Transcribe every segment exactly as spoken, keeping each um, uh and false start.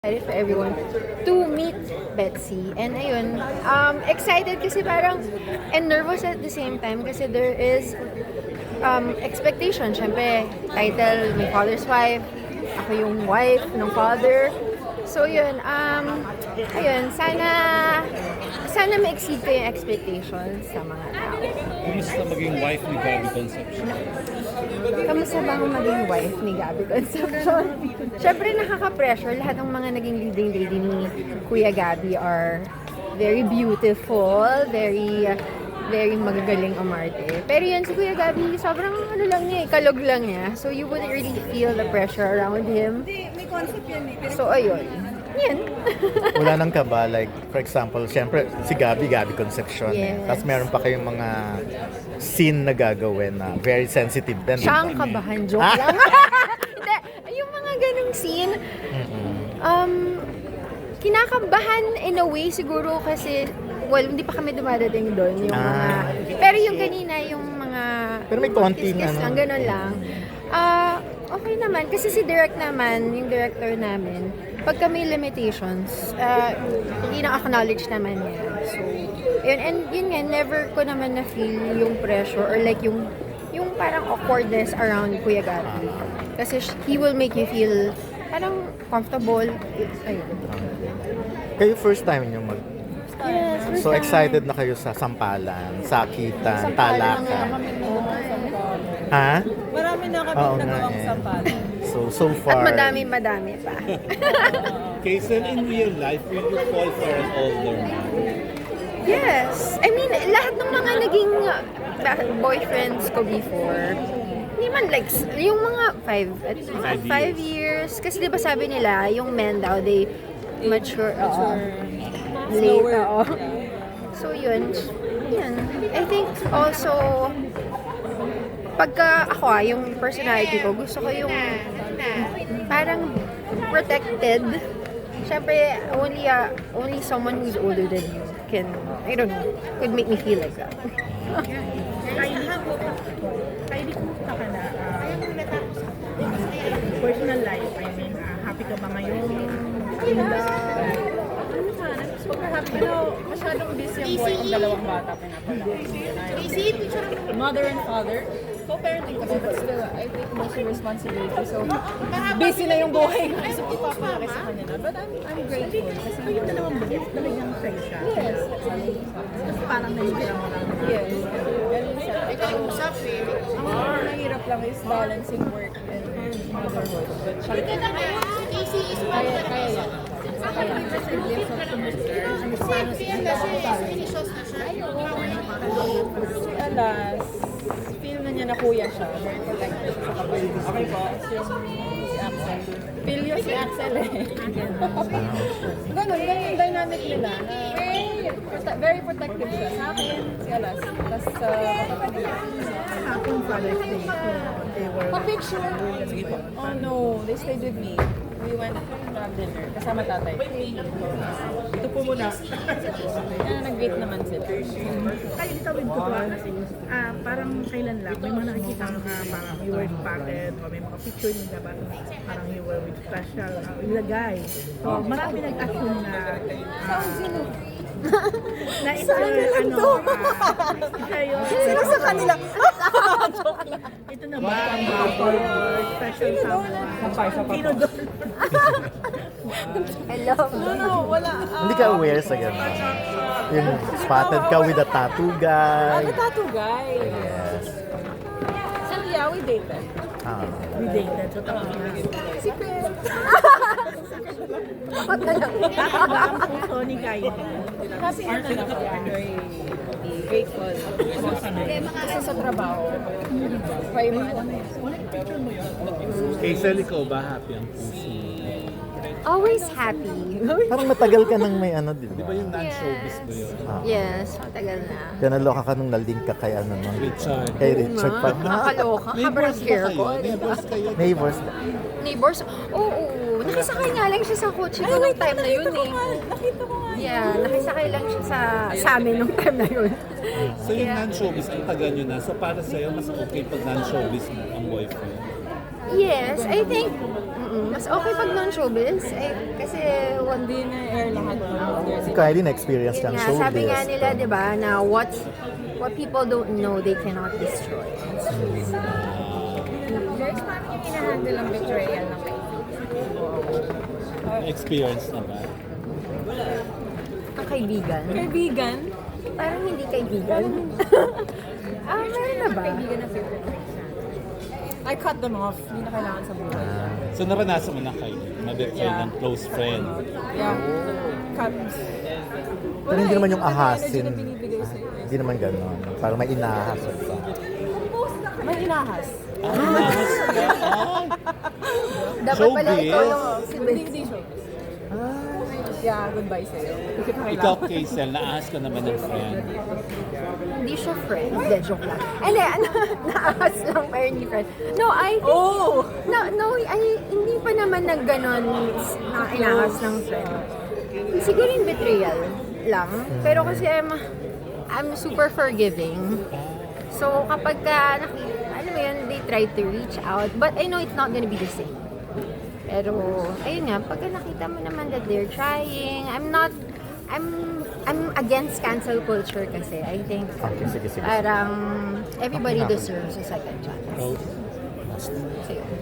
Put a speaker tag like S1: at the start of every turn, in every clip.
S1: Excited for everyone to meet Betsy. And ayun, um, excited kasi parang, and nervous at the same time kasi there is um, expectation. Siyempre, title, my father's wife, ako yung wife ng father. So yun, um, ayun, sana, sana ma-exceed ko yung expectations sa mga tao.
S2: Kumusta maging wife ni Gabby Concepcion?
S1: Kamusta ba ang maging wife ni Gabby Concepcion? Siyempre nakaka-pressure. Lahat ng mga naging leading lady ni Kuya Gabby are very beautiful, very very magagaling umarte. Pero yun, si Kuya Gabby, sobrang ano lang niya, kalog lang niya. So you wouldn't really feel the pressure around him.
S3: May concept yan eh.
S1: So ayun. Yan.
S4: Wala nang kaba, like, for example, syempre, si Gabby, Gabby Concepcion. Eh.
S1: Yes.
S4: Tapos meron pa kayong mga scene na gagawin na very sensitive din.
S1: Siya ang kabahan, joke
S4: Ah.
S1: lang. Hindi, yung mga ganong scene, um, kinakabahan in a way siguro kasi, well, hindi pa kami dumadating doon. Yung mga,
S4: Ah.
S1: pero yung kanina, yung mga,
S4: Pero may konting
S1: kiss-kiss
S4: ano.
S1: lang, ganun lang. Ah, okay naman. Kasi si Direk naman, yung director namin, pagka may limitations, uh, ina-acknowledge naman niya. So, yun, and yun nga, never ko naman na-feel yung pressure or like yung yung parang awkwardness around Kuya Gabby. Kasi sh- he will make you feel parang comfortable. Ayun.
S4: Kayo first time nyo mag...
S1: Yes, first
S4: So
S1: time.
S4: excited na kayo sa sampalan, sakitan,
S1: Sampalan na nga
S4: talakan.
S1: kami.
S4: Ha?
S3: Marami na kami
S4: Oo nga
S3: nagawang
S4: eh.
S3: sampalan.
S4: So, so
S1: At
S4: far...
S1: madami-madami pa.
S2: Kaysel, in real life, will you fall for an older man?
S1: Yes. I mean, lahat ng mga naging uh, boyfriends ko before, hindi man like, s- yung mga five, at mga
S2: Five
S1: five years. Kasi di ba sabi nila, yung men daw, they mature, mature late.
S3: Slower.
S1: Oo. So yun, yun. I think also, pagka ako ah, yung personality ko, gusto ko yung parang protected. Siyempre, only uh, only someone who's older than you can, I don't know, could make me feel like that.
S5: Kylie, kumusta ka na? Uh, personal life, I mean, uh, happy ka ba ngayon?
S3: Ano sana, super happy. Pero masyadong busy ang buhay ng dalawang bata pinapala. Mother and father. Co-parenting kami, but still, I take most of responsibility. So, busy na yung buhay ko. So, ipapalaki sa kanila. But I'm, I'm grateful. Kasi
S5: Ayun na naman ba? Talagang sa'yo siya.
S3: yes.
S5: Kasi parang nahihira mo lang.
S3: Yes. Ganun siya. Ang mahirap lang is balancing work and motherhood. But siya, kaya, kaya yan. Si Alas, feel na niya na kuya siya. Very protective sa kapatid. Okay po. Si Axel. Feel yun si Axel eh. Ganun, ganun yung dynamic nila. Na prote- very protective siya. Sa akin, si Alas. Tapos sa kapatid.
S5: Hapon Father's Day, so they were...
S3: Pa-picture! Oh no, they stayed with me. We went to have dinner. Kasama tatay.
S5: Ito po muna.
S3: Kaya nag-wait naman sila.
S5: Kaya itawid ko ba? Ah, parang kailan lang, may mga nakikita ka na parang you were spotted o may mga picture nila ba? Parang you were with special uh, ilagay. So, marami nag-assume na uh, na ito ano, ah, isa yun.
S3: Sino sa kanila?
S5: Ito na ba ang bubble or special someone? Sino doon?
S1: Hello.
S3: No, no, wala. Ah,
S4: Hindi ka aware sa gano'n. Yung spotted ka with a tattoo
S3: Ah,
S4: guy.
S3: the tattoo guy.
S4: Yes.
S3: So yeah, we dated.
S4: Ah.
S5: We dated. So, tapos na.
S3: Secret.
S5: Bakit ba ang puso ni Kylie?
S3: Happy na lang ako. Very grateful. Kasi sa trabaho. May mga alam mo.
S2: Kaysel, ikaw ba happy ang puso?
S1: Always happy.
S4: Parang matagal ka nang may ano, di
S2: Di
S4: ba?
S2: ba yung non-showbiz ba yun?
S1: Yes, matagal na.
S4: Kaya naloka ka nung nalink ka kay ano, no?
S2: Richard.
S4: Kay Richard.
S1: Ma,
S4: Pa,
S1: nakakaloka. Habang
S2: Neighbors ba
S1: hair
S2: kayo?
S1: ko. diba?
S2: Neighbors kayo?
S4: neighbors.
S1: Neighbors? Oo, oo. Nakisakay nga lang siya sa kotse ko nung time na yun eh.
S3: Nakita ko nga.
S1: Yeah, nakisakay lang siya sa, sa amin nung time na yun.
S2: So yung non-showbiz, ang tagal nyo na. So para sa'yo, mas okay pag non-showbiz mo ang boyfriend.
S1: Yes, I think mm, mas okay pag non-showbiz. Eh, kasi one
S3: Hindi na air lahat ng others.
S4: Si Kylie na-experience
S1: Yun
S4: ng
S1: nga,
S4: showbiz.
S1: sabi nga nila, di ba, na what what people don't know, they cannot destroy.
S6: Guys, paano yung hinahandle ang betrayal ng kaibigan?
S2: Experience na ba?
S1: Ang kaibigan,
S3: Kaibigan?
S1: parang hindi kaibigan. Ah, meron na ba?
S6: Kaibigan na favorite friends na.
S3: I cut them off. Hindi na kailangan sa buhay.
S2: So naranasan mo na kayo, mabetray
S3: Yeah.
S2: ng close friend.
S3: Yeah. Cut.
S4: Pero hindi naman yung
S3: Wala eh.
S4: ahasin.
S3: Energy na binibigay sa'yo. eh.
S4: Hindi naman gano'n. Parang may inahas sa
S3: May inahas.
S1: Dapat pala
S2: Showbiz?
S1: ikaw yung si
S3: Hindi,
S1: Betsy.
S3: hindi showbiz. Yeah, goodbye sa'yo. Hindi kita
S2: Ikaw,
S3: kailangan.
S2: Kaysel, naahas ka naman ng friend.
S1: Hindi siya friend. Hindi, joke lang. Hindi, ano, naahas lang pero hindi friend. No, I think,
S3: Oh!
S1: no, no, ay, hindi pa naman nag ganon na inahas ng friend. Siguro yung betrayal lang. Pero kasi I'm, I'm super forgiving. So kapag ka, naki- alam mo yun, they try to reach out. But I know it's not gonna be the same. Pero, ayun nga, pagka nakita mo naman that they're trying, I'm not, I'm, I'm against cancel culture kasi. I think,
S4: Okay, sige, sige.
S1: parang, everybody deserves a second chance.
S2: Oh,
S1: So, yun.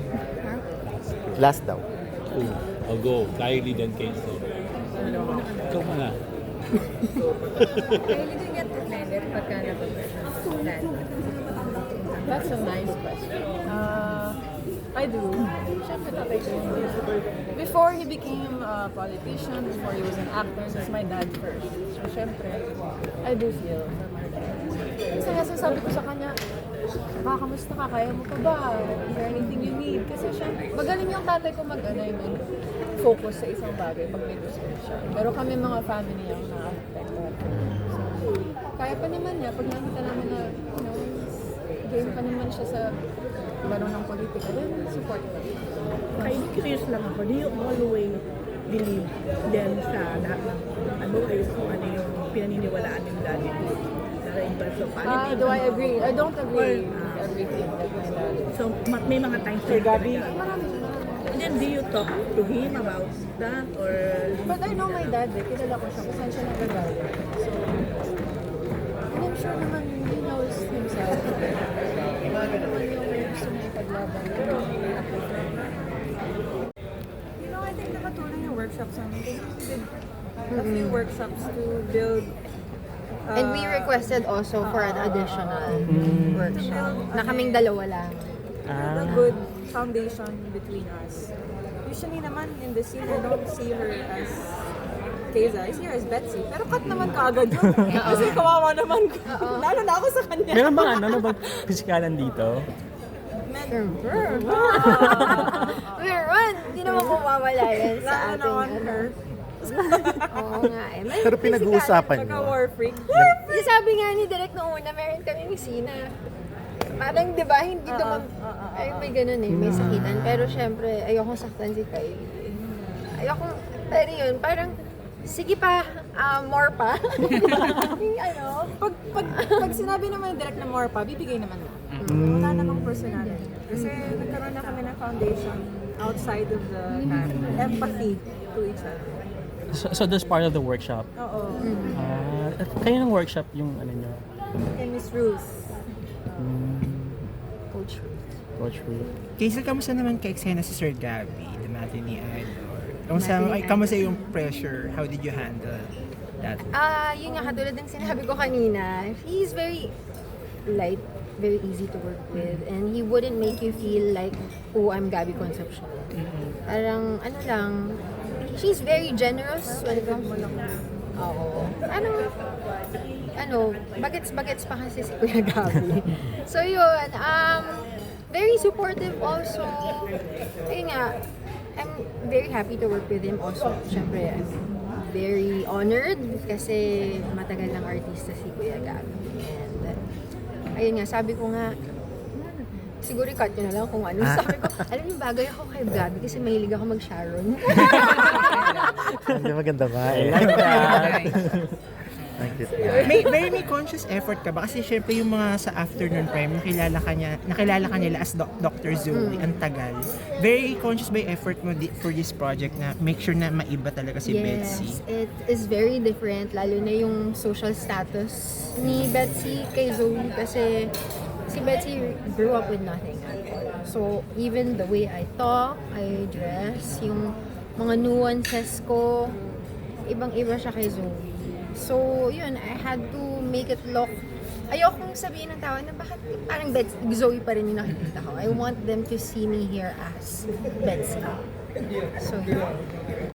S4: Last daw.
S2: oh, oh, go. Kylie, then Kaysel. Ikaw muna.
S6: Kylie, do you get offended pagka napag-plan?
S3: That's a nice question. Uh, I do. Siyempre, tatay ko yun. Before he became a politician, before he was an actor, he's my dad first. So, siyempre, I do feel for my dad. Kasi nga sabi ko sa kanya, "Pa, kamusta ka? Kaya mo pa ba? Is there anything you need?" Kasi siyempre, magaling yung tatay ko mag-ano yung focus sa isang bagay pag may gusto siya. Pero kami mga family ang na-affected. So, kaya pa naman niya, pag nakita namin na, you know, game pa naman siya sa laro ng politika, then support ko.
S5: Kaya curious lang ako, do you always believe then sa lahat ng ano ay kung ano yung pinaniniwalaan ng daddy mo? Sa in terms of
S3: Ah,
S5: politics?
S3: do I agree? I don't agree with everything that my dad is.
S5: So, ma- may mga times
S3: Sir Gabi?
S5: Marami. And then, do you talk to him about that? Or
S3: But I know my dad, eh. Kilala ko siya kung saan siya nagagawa. So, and I'm sure naman he knows himself. Ano naman yung gusto niya ipaglaban. You know, I think nakatulong yung workshops namin. Kasi we did a few workshops to build uh,
S1: And we requested also for an additional workshop. Na kaming dalawa lang.
S3: build a good foundation between us. Usually naman in the scene, I don't see her as Keza. I see her as Betsy. Pero cut naman kaagad yun. Kasi kawawa naman ko. Lalo na ako sa kanya.
S7: Meron bang ano, ano bang pisikalan dito?
S1: Meron! Hindi naman ko mawala yan sa
S3: Lalo na
S1: ating
S3: on
S1: ano.
S3: her.
S1: Oo nga eh. May
S4: Pero pinag-uusapan
S3: Pagka
S4: nyo.
S3: war freak.
S1: Yung sabi nga ni Direk noong una, meron kami ni Sina. Parang, di ba, hindi dumam... Ay, may ganun eh, may sakitan. Pero syempre, ayokong saktan si Kylie. Ayokong... Pero yun, parang, sige pa, ah, more pa. Yung ano,
S3: Pag, pag, pag sinabi naman direct na more pa, bibigay naman na. Wala namang personality. Kasi nagkaroon na kami ng foundation outside of the empathy to each other.
S7: So, so that's part of the workshop.
S3: Oo.
S7: Ah, kayo ng workshop yung ano nyo?
S3: Kay Miss Ruth.
S1: Coach.
S7: Coach Ruth.
S8: Kaysel, kamusta naman kay Xena si Sir Gabby, the matinee idol? Kamusta, ay, kamusta yung pressure? How did you handle that?
S1: Ah, yun nga, katulad ng sinabi ko kanina, he's very light, very easy to work with, and he wouldn't make you feel like, oh, I'm Gabby Concepcion. Parang, ano lang, she's very generous when it comes to... Oo. Ano, ano, bagets-bagets pa kasi si Kuya Gabby. So yun, um, very supportive also. Ayun nga, I'm very happy to work with him also. Siyempre, I'm very honored kasi matagal ng artista si Kuya Gabby. And, uh, ayun nga, sabi ko nga, siguro i-cut nyo na lang kung ano. Sabi ko, alam niyo, bagay ako kay Gabby kasi mahilig ako mag-Sharon.
S4: Hindi maganda ba
S7: I
S4: eh.
S7: like that.
S4: Nag-cute na.
S8: May very may conscious effort ka ba? Kasi syempre yung mga sa afternoon prime, nakilala ka niya, nakilala ka nila as Doc- Doctor Zoe, ang tagal. Very conscious by effort mo di- for this project na make sure na maiba talaga si Betsy.
S1: Yes, it is very different, lalo na yung social status ni Betsy kay Zoe kasi si Betsy grew up with nothing. So, even the way I talk, I dress, yung mga nuances ko, ibang-iba siya kay Zoe. So, yun, I had to make it look, ayokong sabihin ng tao na bakit parang Betsy, Zoe pa rin yung nakikita ko. I want them to see me here as Betsy. So, yun.